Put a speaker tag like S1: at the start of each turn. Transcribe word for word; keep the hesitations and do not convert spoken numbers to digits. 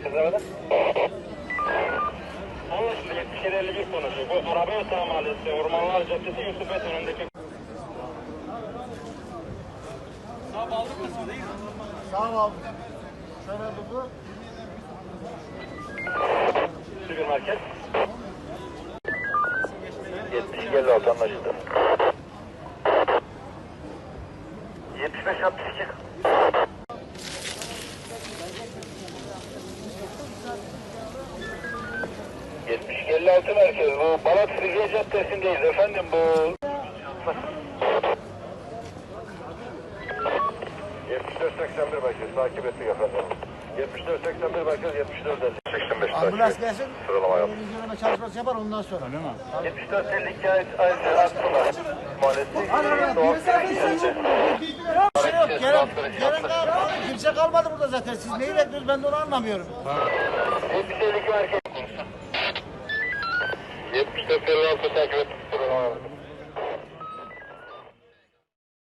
S1: Kızarada. Anlaşıldı. yetmiş yedi elli bir konuşuyor. Bu Arabiyata Mahallesi, Ormanlar Caddesi, Yusuf Et önündeki.
S2: Sağ bağlı kısmı değil mi?
S3: Sağ ol. Şöyle durdu.
S1: Süpermarket. yetmiş elli altı anlaşıldı. yetmiş beş altmış iki. yetmiş elli altı merkez. Bu Balat Frigiye Caddesi'ndeyiz efendim bu. yetmiş dört seksen bir merkez takip ettik efendim. yetmiş dört seksen bir merkez yetmiş dört seksen beş
S3: Ambulans gelsin.
S1: Sıralama yap.
S3: İnceleme çalışması yapar ondan sonra. Öyle mi?
S1: yetmiş dört elli iki ayrıca Aksular Mahallesi. Doğu
S3: Yok, gelen, gelen kalmadı. Kimse kalmadı burada zaten. Siz neyi bekliyorsunuz ben de onu anlamıyorum.
S1: yetmiş elli iki merkez. yetmiş dört elli altı takip ettik. Sıralama yap.